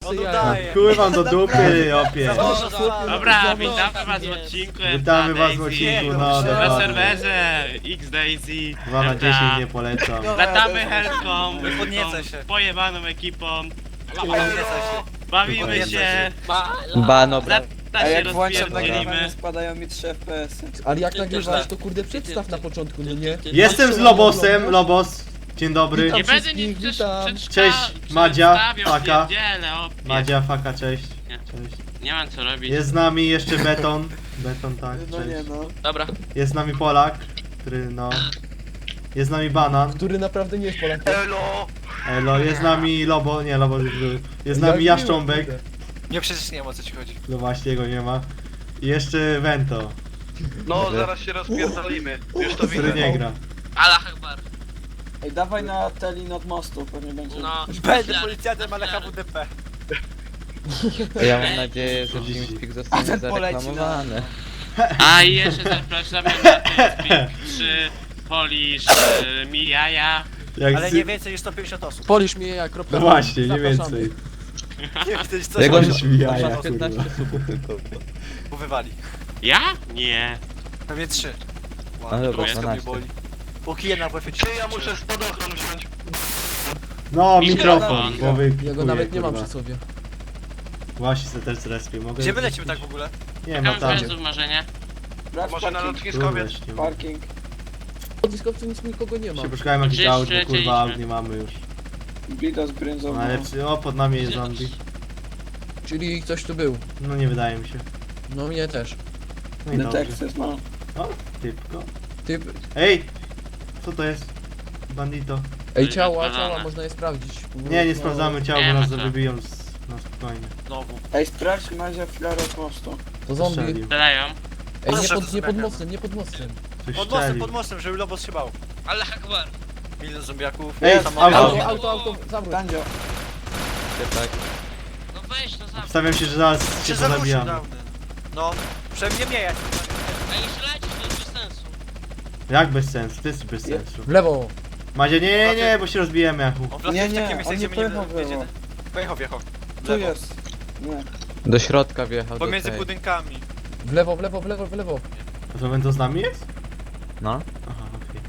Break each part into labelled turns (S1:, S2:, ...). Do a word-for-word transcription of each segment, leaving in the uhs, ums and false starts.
S1: se
S2: On
S1: jaja.
S2: udaje.
S3: Chuj wam do dupy, opie.
S4: Dobra, witamy was w odcinku.
S3: Witamy was w
S4: Daisy.
S3: odcinku, no
S4: Na
S3: dokładnie.
S4: serwerze X Daisy.
S3: dwa na dziesięć nie polecam.
S4: Latamy helką,
S2: Podniecę się.
S4: tą pojebaną ekipą.
S2: Podniecaj się.
S4: Bawimy
S2: Podniecaj
S4: się.
S5: Bano, bra...
S4: Na
S6: A
S4: się
S6: jak włączam
S4: rozpierdzielimy.
S6: nagrywanie, spadają mi trzy F P S.
S1: Ale jak nagrywasz, to kurde przedstaw na początku, no nie?
S3: Jestem z Lobosem, Lobos. Dzień dobry.
S1: Witam
S4: Nie będę
S1: wszystkich,
S4: nic przecież
S1: witam.
S4: przedszka-
S3: Cześć, Madzia,
S4: przedstawiał,
S3: Faka.
S4: pierdzielę, opie.
S3: Madzia, Faka, cześć.
S4: Nie.
S3: Cześć.
S4: Nie mam co robić.
S3: Jest z nami jeszcze Beton. Beton, tak,
S6: No nie
S3: cześć.
S6: no.
S4: Dobra.
S3: Jest z nami Polak, który no... Jest z nami Banan.
S1: Który naprawdę nie jest Polakiem.
S3: Elo, jest z nami Lobo, nie Lobo już był. Jest z nami
S1: Ja
S3: Jaszcząbek.
S1: kurde.
S2: Nie, przecież nie wiem o co ci chodzi.
S3: No właśnie, jego nie ma. I jeszcze Vento,
S7: No, zaraz się rozpierdolimy. Już to
S3: który
S7: widzę.
S3: nie gra.
S8: Allah Akbar.
S6: Ej, dawaj na Telin od mostu, pewnie będzie.
S8: No.
S2: Będzie policjantem, ale H W D P.
S5: Ja mam nadzieję, że TeamSpeak zostanie
S6: ten poleci na-
S5: zareklamowany.
S4: A i jeszcze zapraszamy na TeamSpeak trzy, Polish, y, Mijaja.
S3: Jak
S2: Ale
S3: z-
S2: nie więcej niż sto pięćdziesiąt osób.
S1: Polisz mnie ja, kropka.
S3: No właśnie, nie
S1: Zapraszamy.
S3: więcej.
S2: Nie więcej niż sto
S5: Jak on
S3: Polish mijaja,
S5: ma
S3: kurwa.
S5: piętnaście subów tylko.
S2: wywali.
S4: Ja? Nie.
S2: Pewnie trzy.
S5: No dobra,
S2: Wow, mnie
S5: dwanaście.
S2: boli. Po kije na W F
S7: Czy ja muszę spadochron wziąć?
S3: No,
S4: Mikrofon.
S3: mikrofon, bo wy...
S1: Ja go
S3: chuje,
S1: nawet nie mam
S3: kurwa.
S1: przy sobie.
S3: Właśnie se też zrespię, mogę...
S2: Gdzie my lecimy tak w ogóle?
S3: Nie ma
S4: Mam
S3: tam.
S4: związów marzenie.
S6: Sprawdź
S7: Może na
S6: parking.
S7: lotniskowie?
S3: Również nie ma.
S6: Parking.
S1: W dyskowcu nic nikogo nie ma.
S3: Się poszukałem jakichś
S4: Gdzieś
S3: aut, bo
S4: przylecieliśmy.
S3: kurwa aut nie mamy już.
S6: Bida z brędzą.
S3: Najlepszy, o pod nami jest zombie.
S1: Czyli ktoś tu był.
S3: No nie wydaje mi się.
S1: No mnie też.
S3: No i dobrze.
S6: Detektyw, no.
S3: O, typko.
S1: Ty...
S3: Ej! Co to jest? Bandito.
S1: Ej, ciała,
S4: Rozwalone.
S1: ciała, można je sprawdzić.
S3: Nie, nie
S1: No,
S3: sprawdzamy ciała,
S4: Nie
S3: bo
S4: ma
S3: nas
S4: co.
S3: wybiją z... na spokojnie.
S2: Znowu.
S6: Ej, sprawdź Madzia filarę od mostu.
S1: To zombie.
S3: Strzelił.
S4: Strzelają.
S1: Ej, nie
S2: Proszę,
S1: pod, nie pod
S2: to
S1: mostem, nie pod mostem.
S3: Coś
S2: Pod mostem,
S3: strzelił.
S2: pod mostem, żeby Lobos się bał.
S8: Allah Akbar.
S2: Milion zombiaków.
S3: Ej,
S2: samochód.
S3: auto.
S1: Auto, auto, auto, zawróć.
S6: Tandzio.
S5: Tak.
S8: No weź to za.
S3: Stawiam się, że zaraz
S2: Się
S3: się
S2: zawrócił
S3: pozabijamy.
S2: dawny. No, przynajmniej mnie jak.
S8: A nie strzelajcie, to jest bez sensu.
S3: Jak bez sensu? To jest bez sensu.
S1: W lewo.
S3: Madzia, nie, nie, nie, bo się rozbijemy, Jachu.
S2: On wlatuje
S6: Nie,
S2: w
S6: nie,
S2: takie miejsce,
S6: on
S2: gdzie
S6: nie
S2: my nie
S6: pojechał w lewo.
S2: wiedziemy. Pojechał, wjechał.
S6: Tu jest. Nie.
S5: Do środka wjechał. do
S2: Pomiędzy
S5: tej.
S2: budynkami.
S1: W lewo, w lewo, w lewo, w lewo.
S3: A to Vento z nami jest?
S5: No,
S3: Aha, okej.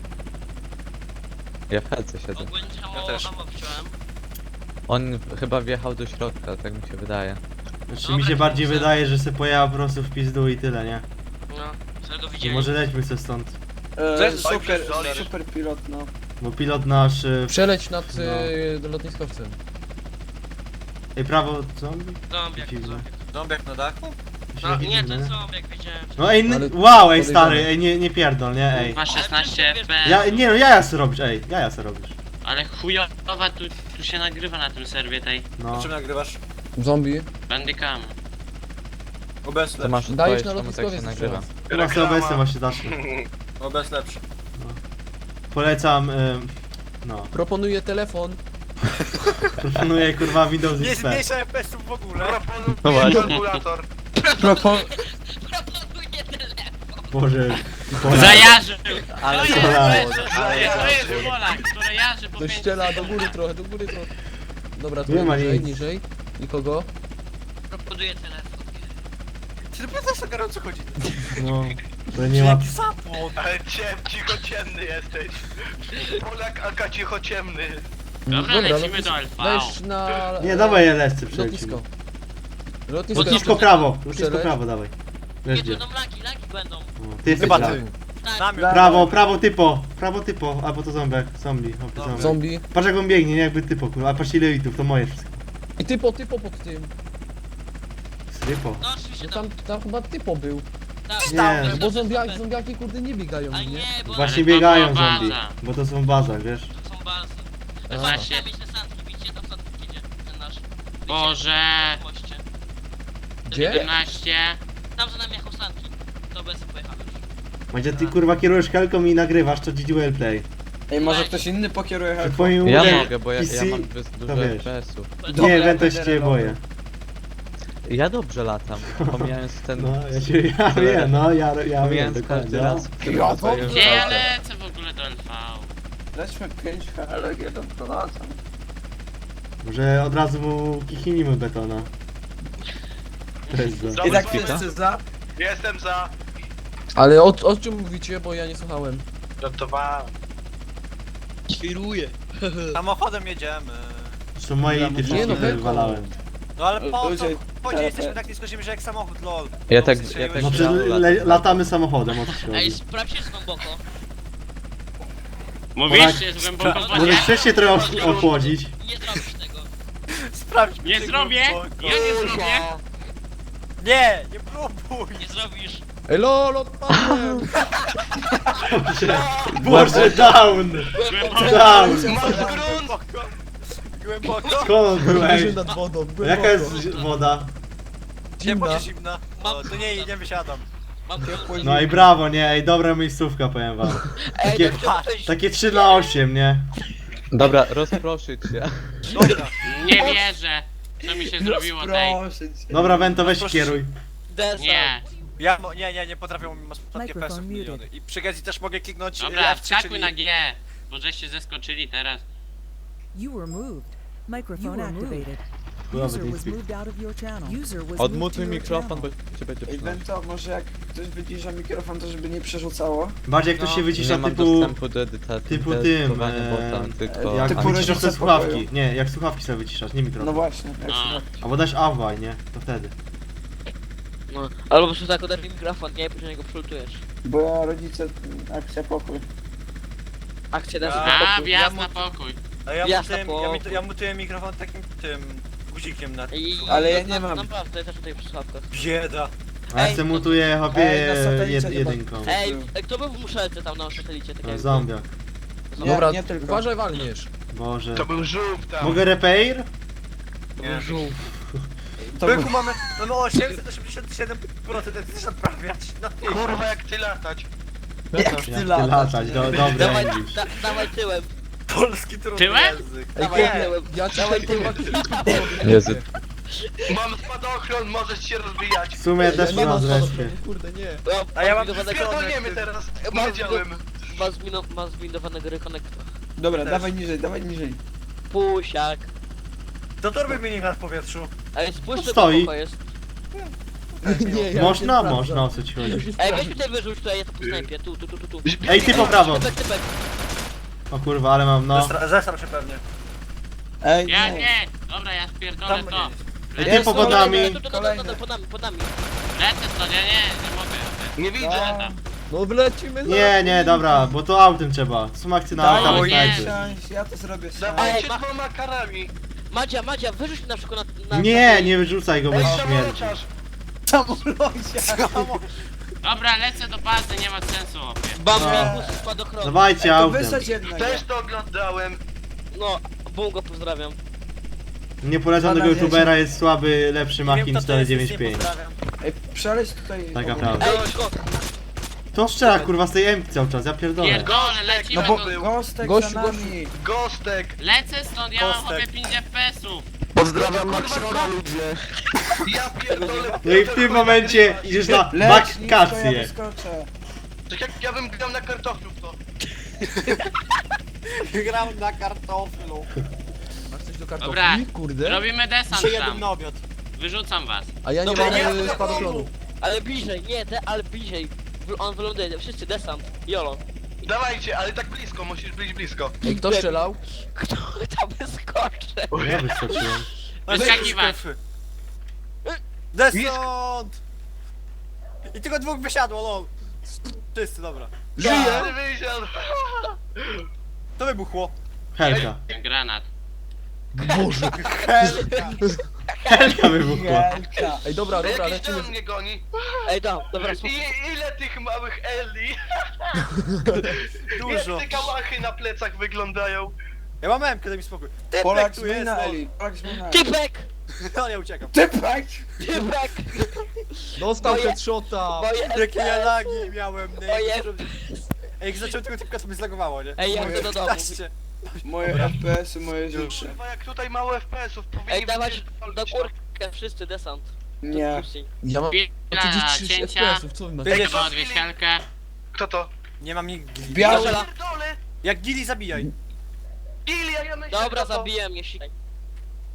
S5: ja w helce siedzę.
S8: Ogólnie
S2: Ja
S8: mało
S2: też.
S8: ammo wziąłem.
S5: On chyba wjechał do środka, tak mi się wydaje.
S3: Znaczy mi się bardziej wydaje, że se pojechał po prostu w pizdu i tyle, nie?
S8: No, sobie go
S3: I
S8: widzieli.
S3: może lećmy se stąd.
S6: E,
S2: Cześć,
S6: super,
S7: Zolisz.
S6: super pilot, no.
S3: Bo pilot nasz... y,
S1: Przeleć nad
S3: No.
S1: y, lotniskowcem.
S3: Ej, prawo zombie?
S8: Zombiak,
S3: Dziwne.
S8: zombiak.
S2: Dąbiak na dachu?
S3: To się
S8: No
S3: nie
S8: nie,
S3: dziwne,
S8: ten zombiak widziałem.
S3: No ej, n-
S1: Ale-
S3: wow, ej stary,
S1: podejrzane.
S3: ej, nie, nie pierdol, nie, ej.
S4: Ma szesnaście F P S.
S3: Ja, nie no, jaja se robisz, ej, jaja se robisz.
S4: Ale chujowa tu, tu się nagrywa na tym serwie tej
S3: No.
S2: Czym nagrywasz?
S1: Zombie.
S4: Bandicam.
S2: O B S
S5: To
S2: lepszy.
S5: masz
S1: Dajesz
S5: odpowiedź,
S1: na
S5: czemu tak się
S1: lotniskowiec
S5: nagrywa.
S1: jeszcze
S3: Chyba sobie obecnie właśnie zacznę.
S2: O B S lepszy.
S3: Polecam, y, no.
S1: Proponuję telefon.
S3: Proponuję kurwa Windows
S2: Nie
S3: X P.
S2: zmniejsza F P S-ów w ogóle.
S5: No właśnie.
S7: Kalkulator.
S1: Propon...
S8: Proponuję telefon.
S3: Boże. Polak.
S4: Zajarzył!
S5: Ale
S4: To jest,
S3: to
S4: to jest,
S7: Ale
S4: to
S7: ja-
S4: jest Polak, który jarzy po
S1: Do
S4: pięć
S1: ściela, do
S4: sekund.
S1: góry trochę, do góry trochę. Dobra, tu
S3: Nie ma
S1: niżej,
S3: nic.
S1: niżej. Nikogo.
S8: Proponuję telefon.
S2: Ty dopiero teraz o gorąco chodzi.
S3: No. To nie ma...
S2: Jaki sapłon.
S7: Ale ciem, cichociemny jesteś. Polak Aka cichociemny.
S4: Dobra, lecimy
S1: lotnisko-
S4: do L V.
S1: Weź na...
S3: Nie, dawaj L S C przelecimy.
S1: Lotnisko. Lotnisko.
S3: Lotnisko prawo, lotnisko
S1: Przeleć.
S3: prawo, dawaj. Wiesz
S8: Nie,
S3: gdzie.
S8: to będą laki, laki będą.
S3: No, ty jesteś
S2: Chyba
S3: prawo.
S2: ty.
S8: Tak.
S2: Namiot.
S3: Prawo, prawo typo, prawo typo, albo to zombiak, zombie, hopy,
S2: No.
S3: zombie.
S1: Zombie.
S3: Patrz jak on biegnie, nie jakby typo, kurwa, a patrz ile litów, to moje wszystko.
S1: I typo, typo pod tym.
S3: Typo.
S8: No oczywiście
S1: No
S8: tam.
S1: tam, tam chyba typo był.
S8: Tak,
S3: Nie.
S8: tam,
S1: No
S8: to
S1: bo
S8: jest
S1: zombiaki,
S8: super.
S1: zombiaki kurde nie biegają,
S8: A
S1: nie?
S8: nie, bo
S3: Właśnie
S4: Ale to
S3: biegają
S4: była
S3: zombie,
S4: baza.
S3: bo to są w bazach, wiesz.
S8: to są bazy.
S1: Aha.
S8: Właśnie. Trzeba mieć te sandki, widzicie? Tam sandki idzie, ten nasz. Widzicie?
S4: Boże.
S8: Na moście.
S1: Gdzie?
S4: jedenaście.
S8: Tam za nami jechał sandki. To bez pojechał już.
S3: Będzie ty kurwa kierujesz helką i nagrywasz, to G G Well Play.
S6: Ej, może ktoś inny pokieruje
S3: Przy
S6: helką?
S3: twoim
S5: Ja
S3: udziale
S5: mogę, bo ja,
S3: P C
S5: ja mam bez- dużo
S3: wiesz.
S5: F P S-ów.
S3: Nie,
S6: Dobra,
S3: Vento
S6: będę
S3: się cię boję.
S6: robił.
S5: Ja dobrze latam, pomijając ten...
S3: No, ja się, ja wiem, no, ja, ja wiem,
S5: pomijając
S3: dokładnie.
S5: każdy
S3: no.
S5: raz, który
S1: Ja
S5: zostaje
S1: dobrze
S4: Gdzie ja
S5: wrzucony.
S4: lecę w ogóle do L V?
S6: Lećmy pięć H L G do Polaca.
S3: Może od razu mu kichnijmy betona. To jest za.
S1: I tak
S5: Kwita?
S1: wszyscy za.
S7: Jestem za.
S1: Ale o, o czym mówicie, bo ja nie słuchałem.
S7: Żartowałem.
S8: Świruję.
S2: Samochodem jedziemy.
S3: To moje ity
S1: Nie, no,
S3: wszystkie
S1: belką.
S3: wywalałem.
S2: No ale po co?
S6: Ludzie,
S2: Po
S6: te-
S2: jesteśmy
S6: te-
S2: tak nisko ziemi, że jak samochód, lol.
S5: Ja
S2: No,
S5: tak,
S2: strzeliłeś
S5: ja tak
S3: No
S2: się.
S3: przecież
S5: grałem
S3: le,
S5: latem.
S3: latamy samochodem, o co ci
S8: Ej,
S3: chodzi.
S8: sprawdźcie z głęboko.
S4: Mówisz, jest głęboko w
S3: Może
S4: wodzie?
S3: chcesz się trochę ochł- ochłodzić?
S8: Nie zrobisz tego.
S2: Sprawdź.
S4: Nie zrobię! Ja nie zrobię!
S2: Nie, nie próbuj.
S8: Nie zrobisz.
S1: Ej, lol, odpadłem!
S3: Boże, down!
S4: Głęboko.
S3: Down!
S7: Masz grunt!
S2: Głęboko. Głęboko.
S3: Skąd on był, ej?
S1: Leży nad wodą, głęboko.
S3: Jaka jest woda?
S2: Ciepło
S1: Zimna.
S2: czy zimna? O, to nie, nie wysiadam.
S8: Mam ciepło.
S3: No i brawo, nie? Ej, dobra miejscówka, powiem wam. Takie, takie trzy na osiem, nie?
S5: Dobra, rozproszyć się.
S2: Dobra.
S4: Nie wierzę! Co mi się zrobiło tej?
S6: Proszę cię.
S3: Dobra, Wento, weź kieruj.
S6: Desant.
S4: Nie.
S2: Ja, mo- nie, nie, nie potrafią mi ostatnie
S9: Microphone
S2: pesów
S9: muted.
S2: miliony. I przy Gezi też mogę kliknąć
S4: Dobra,
S2: F trzy,
S4: wskakuj
S2: czyli-
S4: na G. Bo żeście zeskoczyli teraz.
S9: You were moved. Microphone activated.
S3: Chujowy
S9: User was
S3: TeamSpeak.
S9: moved out of your channel. User was moved
S5: Odmutuj
S9: to your
S5: mikrofon, bo
S9: channel.
S5: cię będzie
S6: Ej,
S5: przynosił.
S6: Wento, może jak ktoś wycisza mikrofon, to żeby nie przerzucało?
S3: Bardziej jak
S2: No.
S3: ktoś się
S5: Nie
S3: wycisza
S5: mam
S3: typu...
S5: dostępu do edytacji.
S3: typu
S5: do
S3: tym,
S5: edytowania
S3: eee,
S5: bota, tylko...
S3: Jak
S6: typu
S5: a-
S3: wyciszasz
S6: rodzice
S3: te
S6: w
S3: słuchawki.
S6: pokoju.
S3: Nie, jak słuchawki sobie wyciszasz, nie
S6: No
S3: mikrofon.
S6: właśnie, jak
S4: A.
S6: słuchawki.
S3: Albo dasz awaj, nie? To wtedy.
S8: No, albo po prostu tak oderwij mikrofon, nie? Później go przultujesz.
S6: Bo ja rodzice, akcja pokój.
S8: Akcja
S2: Ja-
S8: da
S2: A,
S4: A,
S2: ja
S4: wjazd
S2: mu-
S4: na pokój.
S2: A ja
S8: Jasne,
S2: mutuję, ja,
S8: po-
S2: mit- ja mutuję mikrofon takim tym guzikiem na...
S8: I,
S6: Ale ja
S8: na-
S6: nie mam.
S8: Naprawdę, ja też tutaj przy słuchawkach.
S2: Bieda.
S3: A ja
S6: Ej,
S3: se mutuję hopie
S6: ej, na satelicie
S3: jed,
S6: chyba.
S3: jedynką.
S8: Ej, ej, kto był w muszelce tam na satelicie? Tak
S3: No,
S8: jakby?
S3: zombiak.
S6: Nie,
S1: Dobra,
S6: nie tylko.
S1: uważaj, walniesz.
S3: Boże.
S7: To był żółw tam.
S3: Mogę repair?
S2: Nie.
S6: To
S2: Byku
S6: był-
S2: mamy, mamy osiemset osiemdziesiąt siedem procent, jak chcesz naprawiać. No ty.
S7: Kurwa jak ty latać.
S6: Jak
S3: Jak
S6: ty
S3: ty
S6: latasz,
S3: latać,
S6: nie?
S3: do, dobry
S8: Dawaj,
S3: English.
S8: da, dawaj tyłem.
S2: Polski trudny
S4: Tyłem?
S2: język.
S1: Ej,
S8: Dawaj
S1: chłopie,
S8: tyłem.
S1: ja ci
S8: Dawaj
S1: tutaj
S8: tyłem.
S1: kurwa klipy
S5: Jezu.
S7: Mam spadochron, możesz się rozwijać.
S3: W sumie też
S1: nie
S3: mam
S1: mam
S3: zresztą.
S1: spadochronu, kurde, nie.
S2: A ja mam
S8: zbindowanego
S7: Pierdolniemy teraz.
S8: Mam
S7: Wiedziałem.
S8: Ma, zbino, ma zbindowanego rekonektora.
S6: Dobra,
S2: Też.
S6: dawaj niżej, dawaj niżej.
S8: Pusiak.
S2: To torby mini w powietrzu.
S8: Ej, spójrz,
S3: No stoi.
S8: to jest.
S1: Nie, ja
S3: Można?
S1: nie sprawdzam.
S3: Można, o co ci chodzi.
S1: Ja się
S8: Ej,
S1: sprawdzam.
S8: weź tutaj wyrzuć, tutaj jest po snajpie. Tu, tu, tu, tu, tu.
S3: Ej, ty po prawo.
S8: Typek, typek.
S3: O kurwa, ale mam no.
S2: Zestra- Zesram się pewnie.
S6: Ej,
S4: Ja
S6: nie.
S4: nie! Dobra, ja spierdolę
S2: Tam
S4: to.
S3: Ej, ty
S6: Jest,
S3: po
S6: kolejny.
S3: wodami.
S8: Tu, tu, tu, tu,
S6: Kolejny.
S8: tu, pod nami, pod nami.
S4: Lecę stąd, ja nie, nie mogę.
S7: Nie widzę.
S4: Lecę.
S1: No wlecimy za...
S3: Nie, nie, dobra, bo to autem trzeba. Są akcje na
S6: Daj,
S3: autach
S4: o nie.
S3: znajdzie.
S6: ja to zrobię sam.
S7: Dawajcie
S8: Ej, ma-
S7: dwoma karami.
S8: Madzia, Madzia, wyrzuć mi na przykład na... na
S3: Nie, nie wyrzucaj go, bo
S7: Ej,
S3: śmierci.
S7: samolotarz.
S6: Samolocie.
S4: Dobra, lecę do bazy, nie ma sensu, opie.
S8: Bambikus spadochronu.
S3: Dawajcie
S6: To
S3: autem.
S6: wysadź jednego.
S7: Też to oglądałem.
S8: No, bum go pozdrawiam.
S3: Niepoleconego
S6: Pana
S3: youtubera jest słaby, lepszy
S2: Nie wiem,
S3: Machin
S2: kto to jest,
S3: cztery
S2: nic
S3: dziewięć
S2: nie
S3: pięć.
S2: pozdrawiam.
S6: Ej, przeleć tutaj.
S3: Taka
S6: obok.
S3: prawda.
S8: Ej, go,
S3: To strzela kurwa z tej M cały czas, ja pierdolę.
S4: Pierdolę, lecimy
S6: No bo
S4: do...
S6: Gostek
S1: Gościu,
S6: za nami.
S7: Gostek.
S4: Lecę stąd, ja mam
S2: Kostek.
S4: chłopie pięć F P S-ów.
S7: Pozdrawiam Maxona ludzie. Ja pierdolę.
S3: No i w tym momencie idziesz na
S6: Leć nisko, ja
S3: wakacje.
S6: wyskoczę.
S7: Tak jak ja bym grał na kartoflu w to.
S2: Gram na kartoflu.
S1: Masz coś do
S4: Dobra,
S1: kartofli? Kurde.
S4: robimy desant
S2: Dzisiaj jadę
S4: tam.
S2: na obiad.
S4: Wyrzucam was.
S1: A ja nie
S8: Dobra,
S1: mam
S8: nie,
S1: e,
S2: nie,
S1: spadochronu.
S8: ale bliżej, nie, de, ale bliżej. W- On wyląduje, wszyscy desant. Jolo.
S7: Dawajcie, ale tak blisko, musisz być blisko.
S1: Ej, kto strzelał?
S8: Kto tam wyskoczy?
S3: Ja wyskoczyłem.
S4: Wyskakiwać.
S2: Desant! I tylko dwóch wysiadło, lol. Wszyscy, dobra.
S7: Żyję! Wysiadł.
S2: To wybuchło.
S3: Helka.
S4: Granat.
S1: Boże.
S3: Helka wybuchła.
S6: Wielka.
S1: Ej, dobra, dobra,
S7: Jakiś
S1: lecimy.
S7: ten mnie goni.
S8: Ej, da, dobra,
S7: I
S8: słuchaj.
S7: ile tych małych Eli?
S2: Dużo.
S7: Jak te kałachy na plecach wyglądają?
S2: Ja mam M, kiedy mi spokój. Typek
S6: Polak
S2: tu jest,
S6: zmiana
S2: lol.
S6: Eli. Polak zmiana Eli.
S8: Typek!
S2: No ja uciekam.
S6: Typek!
S8: Typek!
S1: Dostał
S8: Moje-
S1: headshota.
S8: Moje
S2: Jakie ja
S8: F P S.
S2: lagi miałem, nie?
S8: Moje-
S2: Ej, jak zacząłem tego typka, to mnie zlagowało, nie?
S8: Ej, ja
S6: Moje
S8: chcę do domu.
S2: piętnaście.
S6: Moje F P S-y, moje życie.
S7: Kurwa, jak tutaj mało F P S-ów, powinni
S8: Ej, dawać
S7: wypierdolić,
S8: do
S7: no.
S8: kurkę, wszyscy desant.
S6: Nie.
S1: Ja mam
S4: Chwila
S1: trzydzieści sześć
S4: cięcia.
S1: F P S-ów, co wy macie?
S2: Będzie-
S4: Chyba odwiesialkę.
S7: Kto to?
S2: Nie mam nigdy.
S6: Biały.
S8: Strzela.
S7: Pierdolę!
S2: Jak gili zabijaj.
S7: Ilia, ja myślę,
S8: Dobra,
S7: kto to?
S8: zabiję mnie, sikaj.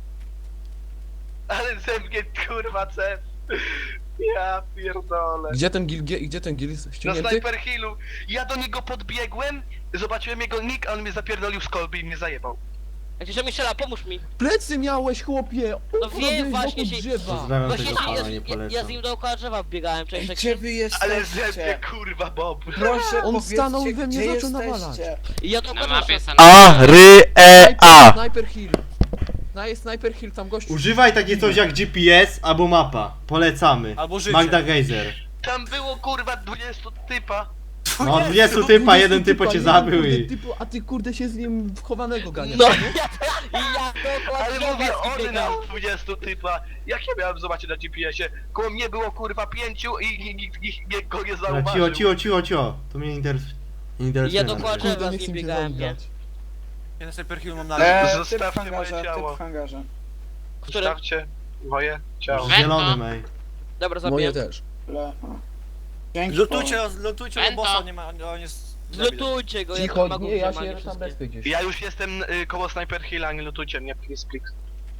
S7: Ale ze mnie kurwa cef. Ja pierdolę.
S1: Gdzie ten gil, gdzie, gdzie ten gil jest
S7: Na
S1: ściągnięty?
S7: Sniper Hillu. Ja do niego podbiegłem, zobaczyłem jego nick, a on mnie zapierdolił z kolby i mnie zajebał.
S8: Jak się mi strzela, pomóż mi.
S1: Plecy miałeś, chłopie!
S8: No wiem, właśnie się-
S1: drzewa.
S3: Pozdrawiam
S8: Właśnie
S3: tego
S8: ja,
S3: pana,
S8: ja,
S3: nie
S8: ja, ja z
S3: polecam.
S8: nim dookoła drzewa biegałem, cześć,
S6: Ej,
S8: cześć.
S6: gdzie wy
S7: Ale ze mnie
S6: jesteście?
S7: kurwa Bob.
S6: Proszę,
S1: On
S6: powiedzcie,
S1: stanął i we mnie
S6: gdzie
S1: zaczął nawalać.
S6: jesteście?
S8: I ja
S4: Na
S8: dookoła
S4: mapie
S8: drzewa.
S4: jest
S3: A, ry, e, a.
S1: Sniper Hill. No jest Sniper Hill, tam gościu.
S3: Używaj takie coś jak G P S albo mapa. Polecamy.
S2: Albo życie.
S3: Magda Geyser.
S7: Tam było kurwa dwudziestu typa.
S3: No dwudziestu typa, jeden typo cię
S1: jeden
S3: zabił
S1: kurde
S3: i...
S1: Typu, a ty kurde się z nim wchowanego ganiasz.
S8: No
S1: nie?
S8: i ja dookoła
S7: Ale
S8: drzewa
S7: mówię,
S8: z nim
S7: on
S8: biegałem.
S7: na dwudziestu typa. Jak ja miałem zobaczyć na G P S-ie? Koło mnie było kurwa pięciu i nikt nikt nikt go nie
S3: Dobra,
S7: zauważył.
S3: cicho, cicho, cicho, cicho. To mnie interesuje. Nie interesuje.
S8: Ja
S3: nas.
S8: dokładnie-
S1: Kurde,
S8: Drzewa
S1: nie
S8: z
S1: chcę
S8: nim
S1: mi się
S8: biegałem, nie?
S1: zagrać.
S2: Ja na Sniper Hill mam na
S6: Eee, typ w
S7: Zostawcie moje
S6: hangarze, typ
S7: ciało.
S6: w hangarze.
S8: Który?
S7: Stawcie moje ciało.
S3: Zielonym, ej.
S8: Dobra,
S1: Moje
S8: zabiję.
S1: też.
S6: Le. a. Dzięki.
S2: Lutujcie, lutujcie
S4: Pęto.
S2: bossa, nie ma, on jest...
S8: Zlutujcie go, ja
S1: Cicho,
S8: mam
S1: nie, ja
S8: górze,
S1: się
S8: nie
S1: tam
S8: wszystkie.
S1: bezpie gdzieś.
S7: Ja już jestem y, koło Sniper Hilla, nie lutujcie mnie, please, please.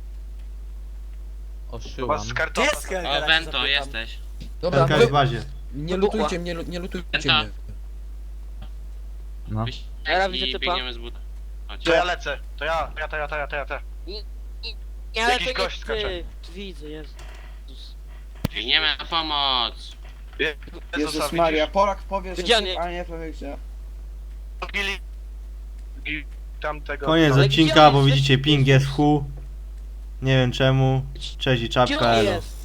S5: Oszyłam.
S7: Was z kartona.
S2: Jest Helga,
S4: O,
S2: jak się
S4: Vento,
S2: zapytam.
S4: jesteś.
S1: Dobra,
S3: Helka
S1: wy,
S3: jest w bazie.
S1: nie
S8: Wybuchła.
S1: lutujcie mnie, lu- nie lutujcie
S4: Penta.
S1: mnie.
S5: No.
S8: Ja widzę
S4: I
S8: typa.
S4: biegniemy z buta. Chodź.
S7: To ja lecę, to ja, to ja, to ja, to ja, to ja, to ja.
S8: Nie, ale
S7: Jakiś
S8: to nie
S7: gość skacze.
S8: ty. Widzę, Jezus.
S4: Biegniemy na pomoc.
S6: Jezus
S7: Zostawić
S6: Maria,
S7: już.
S6: Polak powie, że
S8: Gdzie on
S6: typ,
S8: jest?
S6: ale nie powie gdzie.
S7: Gili... Gili... Tamtego...
S3: Koniec
S8: Ale
S3: odcinka,
S8: gdzie on
S3: bo
S8: jest?
S3: widzicie ping jest w chuj. Nie wiem czemu. Cześć i
S8: Gdzie
S3: czapka,
S8: on
S3: elo.
S8: jest?